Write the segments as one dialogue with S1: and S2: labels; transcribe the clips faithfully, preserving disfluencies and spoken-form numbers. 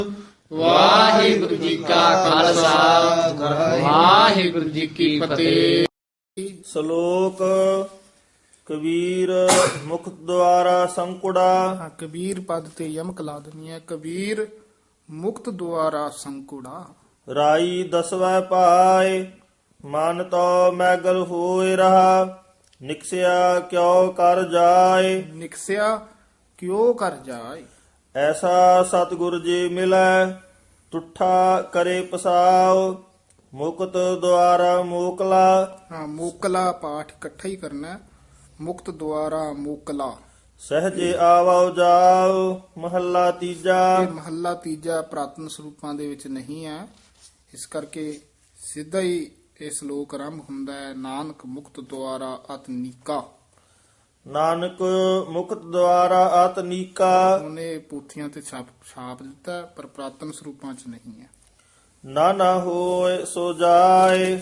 S1: ਵਾਹਿਗੁਰੂ ਜੀ ਕਾ ਖਾਲਸਾ ਵਾਹਿਗੁਰੂ ਜੀ ਕੀ ਫਤਿਹ।
S2: ਸ਼ਲੋਕ ਕਬੀਰ ਮੁਖ ਦੁਆਰਾ ਸੰਕੁੜਾ।
S3: ਹਾਂ, ਕਬੀਰ ਪਦ ਤੇ ਯਮਕ ਲਾ ਦੇਣੀ ਹੈ। ਕਬੀਰ ਮੁਕਤ ਦੁਆਰਾ ਸੰਕੁੜਾ।
S2: ਰਾਈ ਦਸਵੈ ਪਾਏ ਮਨ ਤੋ ਮੈਗਲ ਹੋਏ ਰਹਾ। ਨਿਕਸਿਆ ਕਿਉ ਕਰ ਜਾਏ
S3: ਨਿਕਸਿਆ ਕਿਉ ਕਰ ਜਾਏ।
S2: ਐਸਾ ਸਤਿਗੁਰ ਜੀ ਮਿਲੈ ਤੁਠਾ ਕਰੇ ਪਸਾਉ। ਮੁਕਤ ਦੁਆਰਾ ਮੋਕਲਾ।
S3: ਹਾਂ, ਮੋਕਲਾ ਪਾਠ ਇਕੱਠਾ ਹੀ ਕਰਨਾ ਹੈ। ਮੁਕਤ ਦੁਆਰਾ ਮੋਕਲਾ।
S2: ਸਹਜੇ ਆਵੋ ਜਾਉ ਮਹੱਲਾ ਤੀਜਾ।
S3: ਇਹ ਮਹੱਲਾ ਤੀਜਾ ਪ੍ਰਾਤਨ ਸਰੂਪਾਂ ਦੇ ਵਿੱਚ ਨਹੀਂ ਹੈ, ਇਸ ਕਰਕੇ ਸਿੱਧਾ ਹੀ ਇਹ ਸ਼ਲੋਕ ਆਰੰਭ ਹੁੰਦਾ ਹੈ। ਨਾਨਕ ਮੁਕਤ ਦੁਆਰਾ ਅਤਨੀਕਾ।
S2: ਨਾਨਕ ਮੁਕਤ ਦੁਆਰਾ ਆਤਨੀਕਾ।
S3: ਉਹਨੇ ਪੋਥੀਆਂ ਤੇ ਛਾਪ ਛਾਪ ਦਿੱਤਾ ਹੈ, ਪਰ ਪ੍ਰਾਤਨ ਸਰੂਪਾਂ 'ਚ ਨਹੀਂ ਹੈ।
S2: ਨਾ ਨਾ ਹੋਏ ਸੋ ਜਾਏ।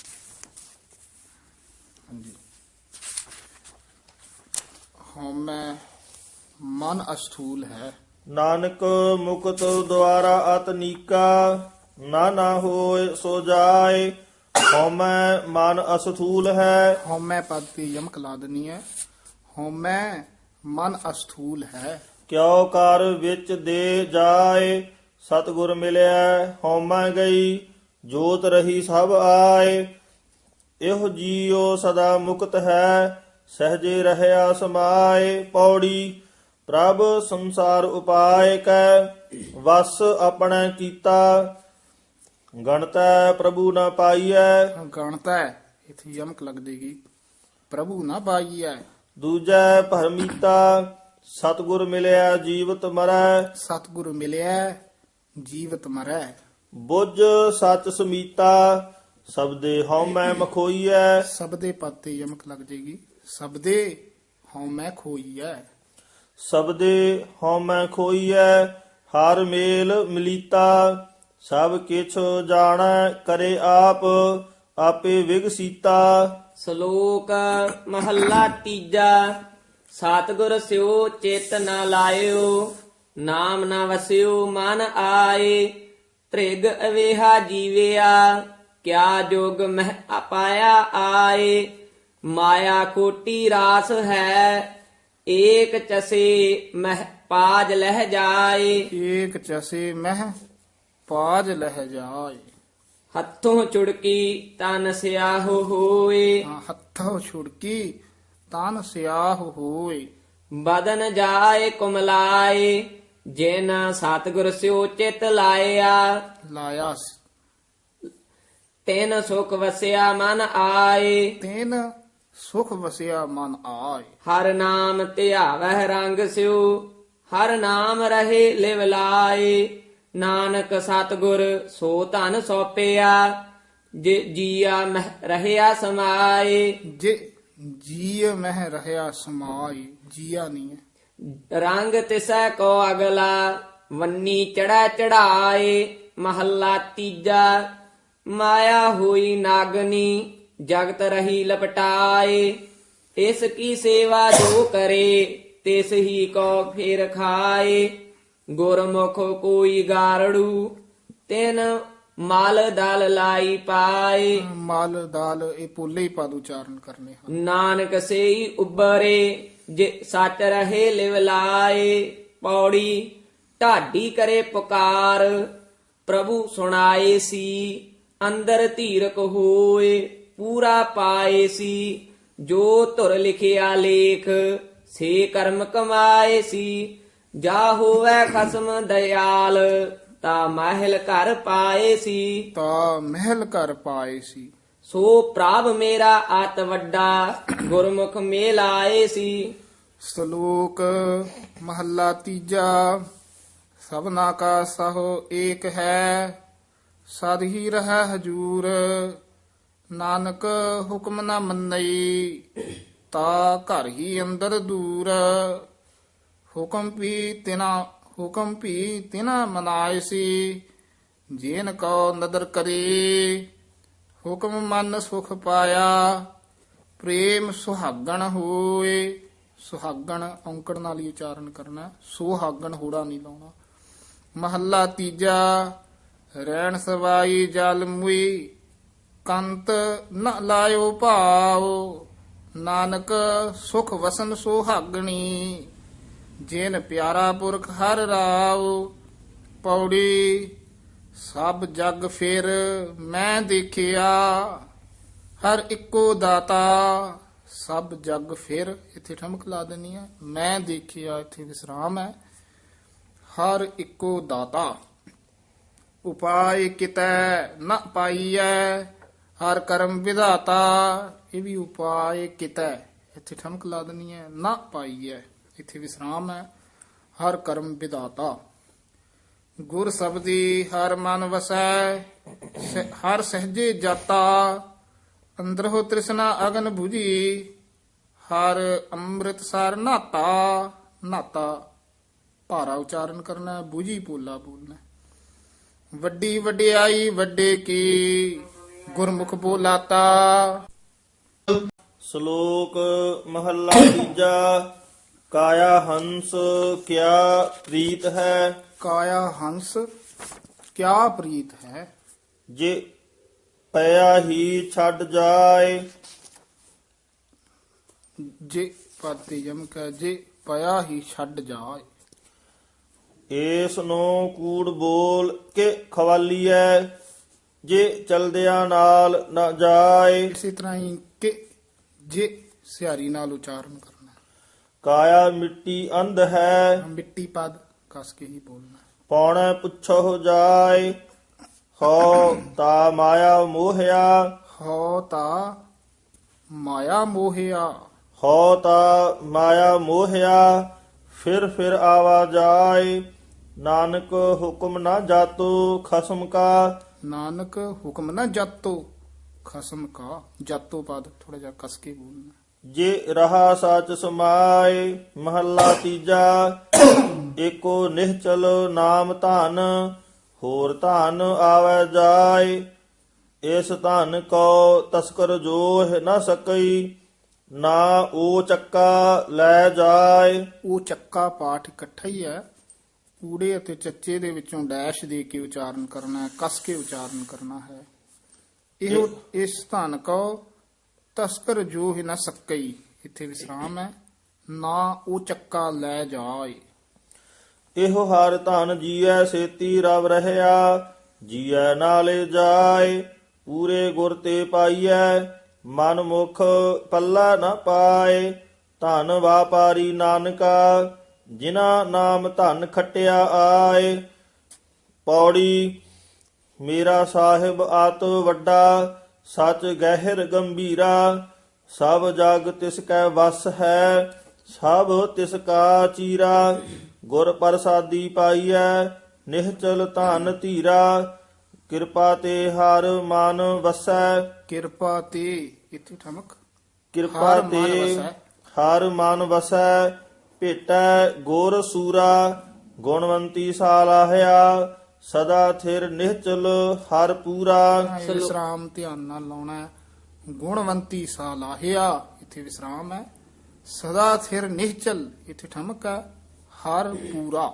S3: ਹਾਂਜੀ। ਹਉਮੈ ਮਨ ਅਸਥੂਲ ਹੈ।
S2: ਨਾਨਕ ਮੁਕਤ ਦੁਆਰਾ ਆਤਨੀਕਾ। ਨਾ ਨਾ ਹੋਏ ਸੋ ਜਾਏ। ਹਉਮੈ ਮਨ ਅਸਥੂਲ ਹੈ।
S3: ਹਉਮੈ ਪਦ ਤੇ ਯਮਕ ਲਾ ਦੇਣੀ ਹੈ। ਹਉਮੈ ਮਨ ਅਸਥੂਲ ਹੈ।
S2: ਕਿਉ ਕਰ ਵਿੱਚ ਦੇ ਜਾਏ। ਸਤਿਗੁਰ ਮਿਲਿਆ ਹਉਮੈ ਗਈ ਜੋਤ ਰਹੀ ਸਭ ਆਏ। ਇਹੋ ਜੀਉ ਸਦਾ ਮੁਕਤ ਹੈ ਸਹਜੇ ਰਹਿਆ ਸਮਾਏ। ਪੌੜੀ ਪ੍ਰਭ ਸੰਸਾਰ ਉਪਾਇ ਕੈ ਵਸ ਆਪਣੇ ਕੀਤਾ। ਗਣਤੈ ਪ੍ਰਭੂ ਨ ਪਾਈਐ।
S3: ਗਣਤਾ ਹੈ, ਇੱਥੇ ਯਮਕ ਲੱਗ ਦੇਗੀ। ਪ੍ਰਭੂ ਨਾ ਪਾਈਐ।
S2: ਦੂਜੈ ਭਰਮੀਤਾ ਸਤਿਗੁਰ ਮਿਲਿਆ ਜੀਵਤ ਮਰੈ।
S3: ਸਤਿਗੁਰੂ ਮਿਲਿਆ ਜੀਵਤ ਮਰੈ।
S2: ਬੁੱਝ ਸਚ ਸਮੀਤਾ ਸਬਦੇ ਹਉਮੈ ਮਖੋਈਐ।
S3: ਸਬਦੇ ਪਦ ਤੇ ਯਮਕ ਲੱਗ ਜੇਗੀ। ਸਬਦੇ ਹਉਮੈ ਖੋਈਐ।
S2: ਸਬਦੇ ਹਉਮੈ ਖੋਈਐ। ਹਰ ਮੇਲ ਮਿਲੀਤਾ ਸਭ ਕਿਛ ਜਾਣੈ ਕਰੇ ਆਪ ਆਪੇ ਵਿਗਸੀਤਾ।
S1: ਸ਼ਲੋਕ ਮਹੱਲਾ ਤੀਜਾ। ਸਤਿਗੁਰ ਸਿਓ ਚਿਤ ਨ ਲਾਇਓ ਨਾਮ ਨ ਵਸਿਓ ਮਨ ਆਏ। ਤ੍ਰਿਗ ਅਵੇਹਾ ਜੀਵਿਆ ਕਿਆ ਜੋਗ ਮਹਿ ਅਪਾਇਆ ਆਏ। ਮਾਇਆ ਕੋਟੀ ਰਾਸ ਹੈ ਏਕ ਚਸੇ ਮਹਿ ਪਾਜ ਲਹਿ ਜਾਏ।
S3: ਏਕ ਚਸੇ ਮਹਿ ਪਾਜ ਲਹਿ ਜਾਏ।
S1: ਹੱਥੋਂ ਚੁੜਕੀ ਤਨ ਸਿਆਹੋ ਹੋਏ।
S3: ਹਾਂ, ਹੱਥੋਂ ਛੁੜਕੀ ਤਨ ਸਿਆਹ ਹੋਏ।
S1: ਬਦਨ ਜਾਏ ਕੁਮਲਾਏ ਜਿਨ ਸਤਿਗੁਰ ਸਿਓ ਚਿਤ ਲਾਇਆ।
S3: ਲਾਇਆ ਸ-
S1: ਤਿਨ ਸੁਖ ਵਸਿਆ ਮਨ ਆਏ।
S3: ਤੈਨ ਸੁਖ ਵਸਿਆ ਮਨ ਆਏ।
S1: ਹਰ ਨਾਮ ਧਿਆਵਹਿ ਰੰਗ ਸਿਓ ਹਰ ਨਾਮ ਰਹੇ ਲਿਵ ਲਾਏ। ਨਾਨਕ ਸਤਿਗੁਰ ਸੋ ਧਨ ਸੋਪਿਆ ਜੇ ਜੀਆ ਮਹਿ ਰਹਿਆ ਸਮਾਏ।
S3: ਜੇ ਜੀਅ ਮਹਿ ਰਹਿਆ ਸਮਾਈ। ਜੀਆ ਨਹੀਂ ਹੈ।
S1: ਰੰਗ ਤਿਸੈ ਕੋ ਅਗਲਾ ਵੰਨੀ ਚੜਾ ਚੜਾਏ। ਮਹੱਲਾ ਤੀਜਾ। ਮਾਇਆ ਹੋਈ ਨਾਗਨੀ ਜਗਤ ਰਹੀ ਲਪਟਾਏ। ਇਸ ਕੀ ਸੇਵਾ ਜੋ ਕਰੇ ਤਿਸ ਹੀ ਕੋ ਫੇਰ ਖਾਏ। ਗੁਰਮੁਖ ਕੋਈ ਗਾਰੜੂ ਤਿਨ ਮਲ ਦਲ ਲਾਈ ਪਾਏ।
S3: ਮਲ ਦਾਲ ਇਹ ਪੋਲੇ ਹੀ ਪਦ ਉਚਾਰਨ ਕਰਨੇ ਹਨ।
S1: ਨਾਨਕ ਸੇਈ ਉਬਰੇ ਜੇ ਸੱਚ ਰਹੇ ਲਿਵ ਲਾਏ। ਪੌੜੀ ਢਾਡੀ ਕਰੇ ਪੁਕਾਰ ਪ੍ਰਭੂ ਸੁਣਾਏ ਸੀ। ਅੰਦਰ ਧੀਰਕ ਹੋਏ ਪੂਰਾ ਪਾਏ ਸੀ। ਜੋ ਧੁਰ ਲਿਖਿਆ ਲੇਖ ਸੇ ਕਰਮ ਕਮਾਏ ਸੀ। ਜਾ ਹੋਵੇ ਖਸਮ ਦਇਆਲ ਤਾ ਮਹਿਲ ਘਰ ਪਾਏ ਸੀ।
S3: ਤਾਂ ਮਹਿਲ ਘਰ ਪਾਏ ਸੀ।
S1: ਸੋ ਪ੍ਰਭ ਮੇਰਾ ਆਤ ਵੱਡਾ ਗੁਰਮੁਖ ਮੇਲ ਆਏ ਸੀ।
S3: ਸ਼ਲੋਕ ਮਹੱਲਾ ਤੀਜਾ। ਸਭਨਾ ਕਾ ਸਹੋ ਏਕ ਹੈ ਸਦ ਹੀ ਰਹਿ ਹਜੂਰ। ਨਾਨਕ ਹੁਕਮ ਨਾ ਮੰਨਈ ਤਾ ਘਰ ਹੀ ਅੰਦਰ ਦੂਰ। ਹੁਕਮ ਵੀ ਤਿਨਾ ਹੁਕਮ ਵੀ ਤਿਨਾ ਮਨਾਏ ਸੀ ਜੇਨ ਕੋ ਨਦਰ ਕਰੇ। ਹੁਕਮ ਮਨ ਸੁਖ ਪਾਇਆ ਪ੍ਰੇਮ ਸੁਹਾਗਣ ਹੋਏ। ਸੁਹਾਗਣ ਔਂਕੜ ਨਾਲ ਹੀ ਉਚਾਰਨ ਕਰਨਾ, ਸੁਹਾਗਣ ਹੋੜਾ ਨਹੀਂ ਲਾਉਣਾ। ਮਹੱਲਾ ਤੀਜਾ। ਰਹਿਣ ਸਵਾਈ ਜਲ ਮੁਈ ਕੰਤ ਨ ਲਾਇਓ ਭਾਵ, ਨਾਨਕ ਸੁਖ ਵਸਨ ਸੁਹਾਗਣੀ, ਜਿਨ ਪਿਆਰਾ ਪੁਰਖ ਹਰ ਰਾਵ। ਪੌੜੀ ਸਭ ਜਗ ਫਿਰ ਮੈਂ ਦੇਖਿਆ, ਹਰ ਇੱਕੋ ਦਾਤਾ ਸਭ ਜਗ ਫਿਰ, ਇੱਥੇ ਠਮਕ ਲਾ ਦੇਣੀ ਹੈ। ਮੈਂ ਦੇਖਿਆ ਇੱਥੇ ਵਿਸਰਾਮ ਹੈ। ਹਰ ਇੱਕੋ ਦਾਤਾ। ਉਪਾਇ ਕਿਤੈ ਨ ਪਾਈਐ, ਹਰ ਕਰਮ ਵਿਧਾਤਾ। ਇਹ ਵੀ ਉਪਾਇ ਕਿਤੈ, ਇੱਥੇ ਠਮਕ ਲਾ ਦੇਣੀ ਹੈ। ਨਾ ਪਾਈਐ ਇੱਥੇ ਵਿਸਰਾਮ ਹੈ। ਹਰ ਕਰਮ ਵਿਧਾਤਾ। ਗੁਰ ਸਬਦੀ ਹਰ ਮਨ ਵਸੈ, ਸ- ਹਰ ਸਹਜੇ ਜਾਤਾ। ਅੰਦਰੋ ਤ੍ਰਿਸ਼ਨਾ ਅਗਨ 부ਜੀ, ਹਰ ਅੰਮ੍ਰਿਤ ਸਰ ਨਾਤਾ। ਨਾਤਾ ਭਾਰਾ ਉਚਾਰਨ ਕਰਨਾ, 부ਜੀ ਪੋਲਾ ਬੋਲਣਾ। ਵੱਡੀ ਵਡਿਆਈ ਵੱਡੇ ਕੀ, ਗੁਰਮੁਖ ਬੋਲਾਤਾ।
S2: ਸ਼ਲੋਕ ਮਹੱਲਾ ਤੀਜਾ। ਕਾਇਆ ਹੰਸ ਕਿਆ ਪ੍ਰੀਤ ਹੈ,
S3: ਕਾਇਆ ਹੰਸ ਕਿਆ ਪ੍ਰੀਤ ਹੈ।
S2: ਜੇ ਪਿਆ ਹੀ ਛੱਡ ਜਾਏ।
S3: ਜੇ ਪਾਤੀ ਜਮਕ ਹੈ, ਜੇ ਪਿਆ ਹੀ ਛੱਡ ਜਾਏ।
S2: ਏਸ ਨੂੰ ਕੂੜ ਬੋਲ ਕੇ ਖਵਾਲੀਐ, ਜੇ ਚਲਦਿਆਂ ਨਾਲ ਨਾ ਜਾਏ।
S3: ਇਸੇ ਤਰ੍ਹਾਂ ਹੀ ਕਿ ਜੇ ਸਿਆਰੀ ਨਾਲ ਉਚਾਰਨ ਕਰਨਾ।
S2: ਕਾਇਆ ਮਿੱਟੀ ਅੰਧ ਹੈ,
S3: ਮਿੱਟੀ ਪਦ ਕਸ ਕੇ ਹੀ ਬੋਲਣਾ।
S2: ਪੌਣੇ ਪੁੱਛੋ ਜਾਏ। ਹੋ ਤਾ ਮਾਇਆ ਮੋਹਿਆ,
S3: ਹੋ ਤਾ ਮਾਇਆ ਮੋਹਿਆ।
S2: ਹੋ ਤਾ ਮਾਇਆ ਮੋਹਿਆ, ਫਿਰ ਫਿਰ ਆਵਾ ਜਾਏ। ਨਾਨਕ ਹੁਕਮ ਨਾ ਜਾਤੋ ਖਸਮ ਕਾ,
S3: ਨਾਨਕ ਹੁਕਮ ਨਾ ਜਾਤੋ ਖਸਮ ਕਾ। ਜਾਤੋ ਪਦ ਥੋੜਾ ਜਿਹਾ ਕਸ ਕੇ ਬੋਲਣਾ।
S2: ਜੇ ਰਹਾ ਸਚ ਸਮਾਏ। ਮਹੱਲਾ ਤੀਜਾ। ਏਕੋ ਨਿਹਚਲ ਨਾਮ ਧਨ, ਹੋਰ ਧਨ ਆਵੈ ਜਾਏ। ਇਸ ਧਨ ਕੋ ਤਸਕਰ ਜੋਹ ਨਾ ਸਕਈ, ਨਾ ਉਹ ਚੱਕਾ ਲੈ ਜਾਏ।
S3: ਉਹ ਚੱਕਾ ਪਾਠ ਇਕੱਠਾ ਹੀ ਹੈ। ਊੜੇ ਅਤੇ ਚੱਚੇ ਦੇ ਵਿੱਚੋਂ ਡੈਸ਼ ਦੇ ਕੇ ਉਚਾਰਨ ਕਰਨਾ ਹੈ, ਕਸ ਕੇ ਉਚਾਰਨ ਕਰਨਾ ਹੈ। ਇਹੋ ਇਸ ਧਨ ਕੋ ਤਸਕਰ ਜੋ ਹੀ ਨਾ ਸਕਈ, ਇੱਥੇ ਵਿਸਰਾਮ ਹੈ। ਨਾ ਉਹ ਚੱਕਾ ਲੈ ਜਾਏ।
S2: ਇਹੋ ਹਰ ਧਨ ਜੀਐ ਸੇਤੀ ਰਵ ਰਹਿਆ, ਜੀਐ ਨਾਲੇ ਜਾਏ। ਪੂਰੇ ਗੁਰ ਤੇ ਪਾਈਐ, ਮਨ ਮੁਖ ਪੱਲਾ ਨਾ ਪਾਏ। ਧਨ ਵਾਪਾਰੀ ਨਾਨਕਾ, ਜਿਨਾ ਨਾਮ ਧਨ ਖਟਿਆ ਆਏ। ਪੌੜੀ ਮੇਰਾ ਸਾਹਿਬ ਆਤ ਵੱਡਾ, ਸਚ ਗਹਿਰ ਗੰਭੀਰਾ। ਸਭ ਜਗ ਤਿਸ ਕੈ ਵਸ ਹੈ, ਸਭ ਤਿਸ ਕਾ ਚੀਰਾ। ਗੁਰ ਪ੍ਰਸਾਦੀ ਪਾਈਐ, ਨਿਹਚਲ ਧਨ ਧੀਰਾ। ਕਿਰਪਾ ਤੇ ਹਰ ਮਨ ਵਸੈ,
S3: ਕਿਰਪਾ ਤੇ ਇੱਥੇ ਠਮਕ।
S2: ਕਿਰਪਾ
S3: ਹਰ ਮਨ
S2: ਤੇ
S3: ਵਸੈ।
S2: ਹਰ ਮਨ ਵਸੈ। ਭੇਟੈ ਗੁਰ ਸੂਰਾ, ਗੁਣਵੰਤੀ ਸਾਲਾਹਿਆ। ਸਦਾ ਥਿਰ ਨਿਹਚਲ ਹਰ ਪੂਰਾ।
S3: ਇਹ ਵਿਸਰਾਮ ਧਿਆਨ ਨਾਲ ਲਾਉਣਾ ਹੈ। ਗੁਣਵੰਤੀ ਸਾਲਾਹਿਆ ਇੱਥੇ ਵਿਸਰਾਮ ਹੈ। ਸਦਾ ਥਿਰ ਨਿਹਚਲ ਇੱਥੇ ਠਮਕ ਹੈ। ਹਰ ਪੂਰਾ।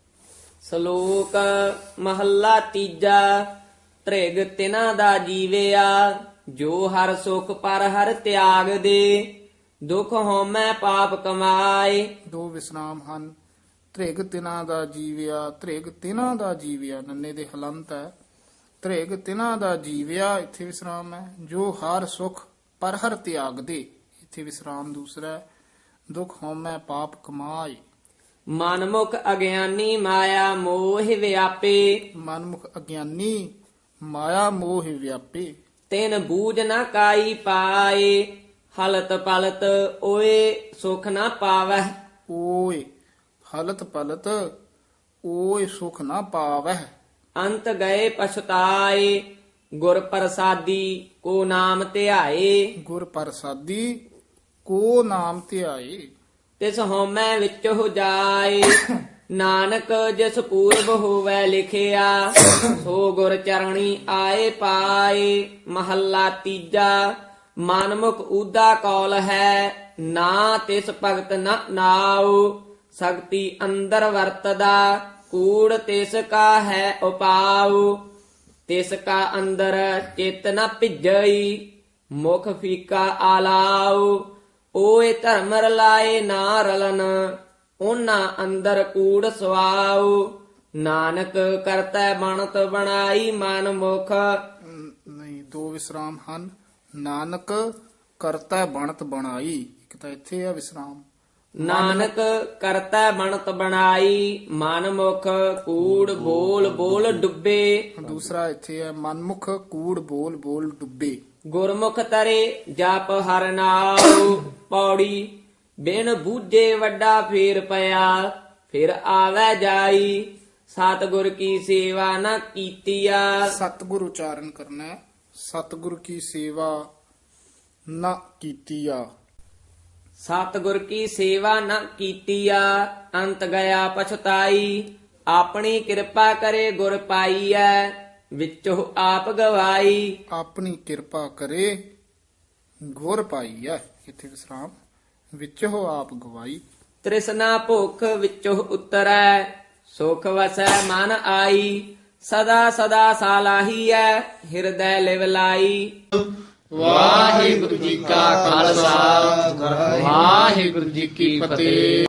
S1: ਸ਼ਲੋਕ ਮਹੱਲਾ ਤੀਜਾ। ਤ੍ਰਿਗ ਤਿਨਾ ਦਾ ਜੀਵਿਆ, ਜੋ ਹਰ ਸੁਖ ਪਰ ਹਰ ਤਿਆਗ ਦੇ। ਦੁਖ ਹਉਮੈ ਪਾਪ ਕਮਾਏ।
S3: ਦੋ ਵਿਸਰਾਮ ਹਨ। ਤ੍ਰਿਗ ਤਿਨਾ ਦਾ ਜੀਵਿਆ, ਤ੍ਰਿਗ ਤਿਨਾ ਦਾ ਜੀਵਿਆ ਨੰਨੇ ਦੇ ਹਲੰਤ ਹੈ। ਤ੍ਰਿਗ ਤਿਨਾ ਦਾ ਜੀਵਿਆ ਇੱਥੇ ਵਿਸਰਾਮ ਹੈ। ਜੋ ਹਰ ਸੁਖ ਪਰ ਹਰ ਤਿਆਗ ਦੇ, ਇੱਥੇ ਵਿਸਰਾਮ ਦੂਸਰਾ ਹੈ। ਦੁਖ ਹਉਮੈ ਪਾਪ ਕਮਾਏ।
S1: ਮਨਮੁਖ ਅਗਿਆਨੀ ਮਾਇਆ ਮੋਹ ਵਿਆਪੇ।
S3: ਮਨਮੁਖ ਅਗਿਆਨੀ ਮਾਇਆ ਮੋਹ ਵਿਆਪੇ।
S1: ਤਿਨ ਬੂਝ ਨਾ ਕਾਈ ਪਾਏ। ਹਲਤ ਪਲਤ ਓਏ ਸੁਖ ਨਾ ਪਾਵੈ।
S3: ਓਏ ਹਲਤ ਪਲਤ ਓਏ ਸੁਖ ਨਾ ਪਾਵਹਿ।
S1: ਅੰਤ ਗਏ ਪਛਤਾਏ। ਗੁਰ ਪ੍ਰਸਾਦੀ ਕੋ ਨਾਮ ਧਿਆਏ।
S3: ਗੁਰ ਪ੍ਰਸਾਦੀ ਕੋ ਨਾਮ ਧਿਆਏ।
S1: ਤਿਸ ਹਉਮੈ ਵਿੱਚ ਹੋ ਜਾਏ। ਨਾਨਕ ਜਿਸ ਪੂਰਬ ਹੋਵੈ ਲਿਖਿਆ, ਸੋ ਗੁਰ ਚਰਣੀ ਆਏ ਪਾਏ। ਮਹੱਲਾ ਤੀਜਾ। ਮਨਮੁਖ ਊਦਾ ਕੌਲ ਹੈ, ਨਾ ਤਿਸ ਭਗਤ ਨ ਨਾਉ। ਸਕਤੀ ਅੰਦਰ ਵਰਤਦਾ, ਕੂੜ ਤਿਸ ਕਾ ਹੈ ਉਪਾਉ। ਤਿਸ ਕਾ ਅੰਦਰ ਚਿਤ ਨ ਭਿਜਈ, ਮੁਖ ਫੀਕਾ ਆਲਾਉ। ਓਏ ਧਰਮ ਰਲਾਏ ਨਾ ਰਲਨ, ਉਹਨਾਂ ਅੰਦਰ ਕੂੜ ਸਵਾਉ। ਨਾਨਕ ਕਰਤੈ ਬਣਤ ਬਣਾਈ ਮਨ ਮੁਖ।
S3: ਅਮ, ਨਹੀਂ, ਦੋ ਵਿਸਰਾਮ ਹਨ। ਨਾਨਕ ਕਰਤਾ ਬਣਤ ਬਣਾਈ, ਇੱਕ ਤਾਂ ਇੱਥੇ ਆ ਵਿਸਰਾਮ।
S1: ਨਾਨਕ ਕਰਤੈ ਬਣਤ ਬਣਾਈ ਮਨ ਮੁਖ। ਕੂੜ ਬੋਲ ਬੋਲ ਡੁੱਬੇ,
S3: ਦੂਸਰਾ ਇੱਥੇ ਹੈ ਮਨਮੁਖ ਕੂੜ ਬੋਲ ਬੋਲ ਡੁੱਬੇ।
S1: ਗੁਰਮੁਖ ਤਰੇ ਜਪ ਹਰਿ ਨਾਉ। ਪੌੜੀ ਬਿਨ ਬੂਝੇ ਵੱਡਾ ਫੇਰ ਪਿਆ, ਫਿਰ ਆਵੈ ਜਾਈ। ਸਤਿਗੁਰ ਕੀ ਸੇਵਾ ਨ ਕੀਤੀਆ।
S3: ਸਤਿਗੁਰ ਉਚਾਰਨ ਕਰਨਾ ਹੈ। ਸਤਿਗੁਰ ਕੀ ਸੇਵਾ ਨਾ ਕੀਤੀਆ।
S1: ਸਤਿਗੁਰ ਕੀ ਸੇਵਾ ਨ ਕੀਤੀਆ, ਅੰਤ ਗਿਆ ਪਛਤਾਈ। ਆਪਣੀ ਕਿਰਪਾ ਕਰੇ ਗੁਰ ਪਾਈਐ, ਵਿੱਚੋਂ ਆਪ ਗਵਾਈ।
S3: ਆਪਣੀ ਕਿਰਪਾ ਕਰੇ ਗੁਰ ਪਾਈ ਹੈ, ਇੱਥੇ ਵਿਸਰਾਮ। ਵਿੱਚੋਂ ਆਪ ਗਵਾਈ।
S1: ਤ੍ਰਿਸ਼ਨਾ ਭੁਖ ਵਿੱਚੋਂ ਉਤਰੈ, ਸੁਖ ਵਸੈ ਮਨ ਆਈ। ਸਦਾ ਸਦਾ ਸਾਲਾਹੀਐ, ਹਿਰਦੈ ਲਿਵ ਲਾਈ।
S3: ਵਾਹਿਗੁਰੂ ਜੀ ਕਾ ਖਾਲਸਾ, ਵਾਹਿਗੁਰੂ ਜੀ ਕੀ ਫਤਿਹ।